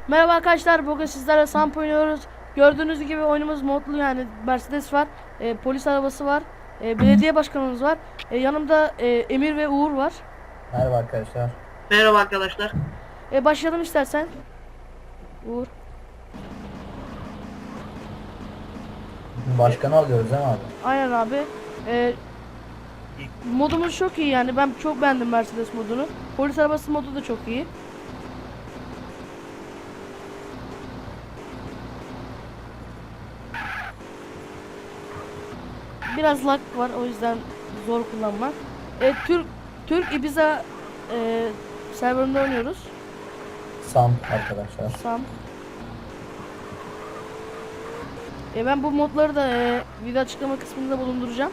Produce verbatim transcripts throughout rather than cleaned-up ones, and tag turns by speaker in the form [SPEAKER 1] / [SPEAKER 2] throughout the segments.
[SPEAKER 1] Merhaba arkadaşlar, bugün sizlerle Samp oynuyoruz. Gördüğünüz gibi oyunumuz modlu, yani Mercedes var, e, polis arabası var, e, belediye başkanımız var. E, yanımda e, Emir ve Uğur var.
[SPEAKER 2] Merhaba arkadaşlar.
[SPEAKER 3] Merhaba arkadaşlar.
[SPEAKER 1] E, başlayalım istersen. Uğur.
[SPEAKER 2] Bugün başkanı alıyoruz değil mi abi?
[SPEAKER 1] Aynen abi. E, modumuz çok iyi, yani ben çok beğendim Mercedes modunu. Polis arabası modu da çok iyi. Biraz lag var, o yüzden zor kullanmak. E, Türk Türk Ibiza e, serverında oynuyoruz.
[SPEAKER 2] Sam arkadaşlar.
[SPEAKER 1] Sam. E ben bu modları da e, video açıklama kısmında bulunduracağım.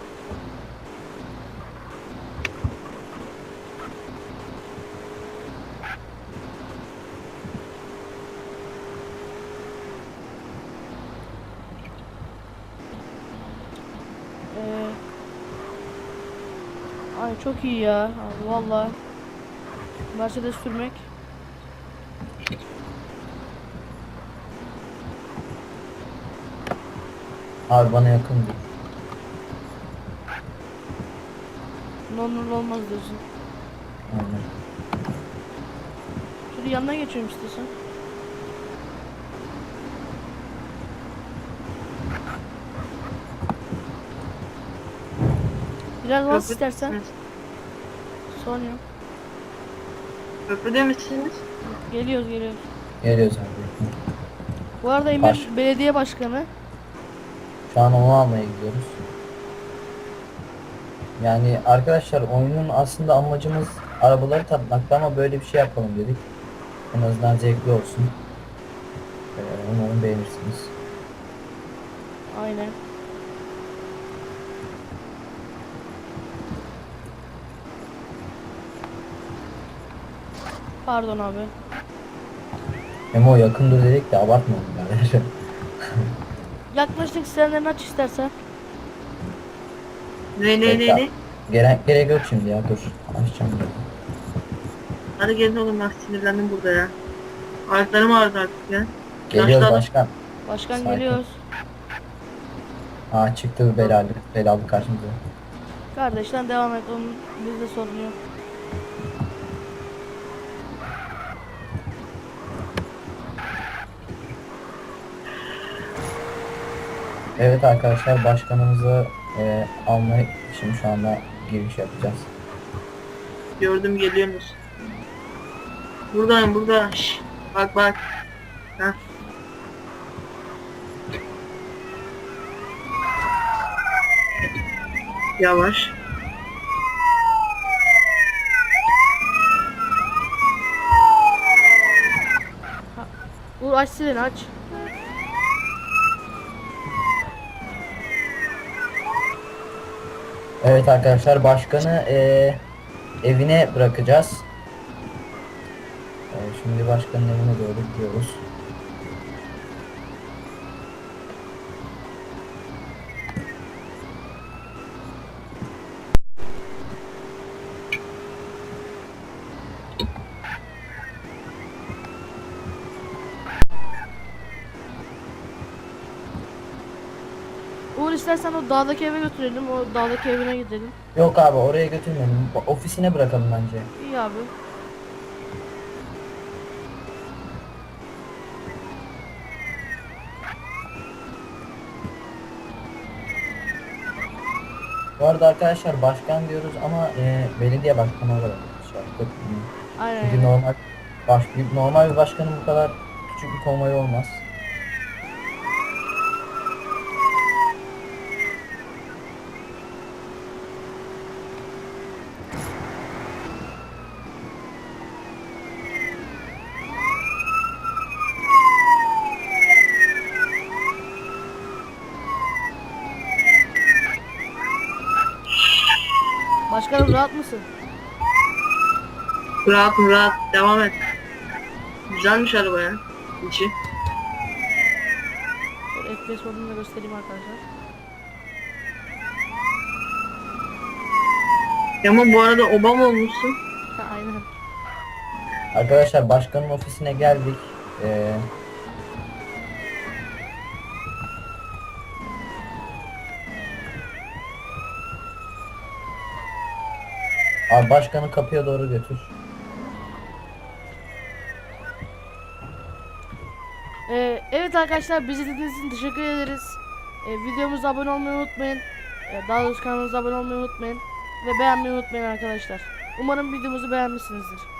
[SPEAKER 1] E, ay çok iyi ya. Abi, vallahi Mercedes sürmek.
[SPEAKER 2] Abi bana yakın dur.
[SPEAKER 1] Normal olmaz diyorsun.
[SPEAKER 2] Aynen.
[SPEAKER 1] Şöyle yanına geçiyorum istiyorsan. Biraz bas
[SPEAKER 3] Köprü,
[SPEAKER 1] istersen. Sorun yok.
[SPEAKER 3] köprüde misiniz?
[SPEAKER 1] Geliyoruz geliyoruz.
[SPEAKER 2] Geliyoruz abi.
[SPEAKER 1] Bu arada Emir
[SPEAKER 2] Baş.
[SPEAKER 1] belediye başkanı.
[SPEAKER 2] Şu an onu almaya gidiyoruz. Yani arkadaşlar oyunun aslında amacımız arabaları tatmaktı ama böyle bir şey yapalım dedik. En azından zevkli olsun. Ee, umarım beğenirsiniz.
[SPEAKER 1] Aynen. Pardon abi.
[SPEAKER 2] Memo yakın dur dedik de abartmayalım yani.
[SPEAKER 1] Yaklaştık, sirenlerini aç istersen.
[SPEAKER 3] Ne ne ne
[SPEAKER 2] Bekle.
[SPEAKER 3] ne?
[SPEAKER 2] Gerek, gerek yok şimdi ya dur. Açacağım.
[SPEAKER 3] Hadi gelin oğlum, ben sinirlendim burada ya. Ayaklarım ağrıdı artık ya.
[SPEAKER 2] Geliyoruz
[SPEAKER 3] Yaşlı adam.
[SPEAKER 2] başkan.
[SPEAKER 1] Başkan
[SPEAKER 2] Sakin.
[SPEAKER 1] geliyoruz.
[SPEAKER 2] Aa çıktı belalı, belalı karşımıza.
[SPEAKER 1] Kardeşten devam et, onun bizde sorun yok.
[SPEAKER 2] Evet arkadaşlar başkanımızı e, almak için şu anda giriş yapacağız.
[SPEAKER 3] Gördüm, geliyorsunuz. Buradayım burada. Şş, bak bak. Heh. Yavaş.
[SPEAKER 1] Uğur aç sireni aç.
[SPEAKER 2] Evet arkadaşlar başkanı e, evine bırakacağız. E, şimdi başkanın evine doğru gidiyoruz.
[SPEAKER 1] Uğur istersen o dağdaki eve götürelim. O dağdaki evine gidelim.
[SPEAKER 2] Yok abi oraya götürmeyelim. Ofisine bırakalım bence.
[SPEAKER 1] İyi abi.
[SPEAKER 2] Bu arada arkadaşlar başkan diyoruz ama e, belediye başkanı olarak şey yaptık.
[SPEAKER 1] Aynen
[SPEAKER 2] Çünkü
[SPEAKER 1] aynen.
[SPEAKER 2] normal baş, bir- normal bir başkanın bu kadar küçük bir konvoyu olmaz.
[SPEAKER 1] Başkanım rahat mısın?
[SPEAKER 3] Rahat mı rahat. Devam et. Güzelmiş araba ya. İçi.
[SPEAKER 1] Şöyle F P S modunu da göstereyim arkadaşlar.
[SPEAKER 3] Ama bu arada Obama olmuşsun.
[SPEAKER 1] Ha, aynen.
[SPEAKER 2] Arkadaşlar başkanın ofisine geldik. Ee, Abi başkanı kapıya doğru götür.
[SPEAKER 1] Ee, evet arkadaşlar, bizi dinlediğiniz için teşekkür ederiz. Ee, videomuza abone olmayı unutmayın. Ee, daha doğrusu kanalımıza abone olmayı unutmayın. Ve beğenmeyi unutmayın arkadaşlar. Umarım videomuzu beğenmişsinizdir.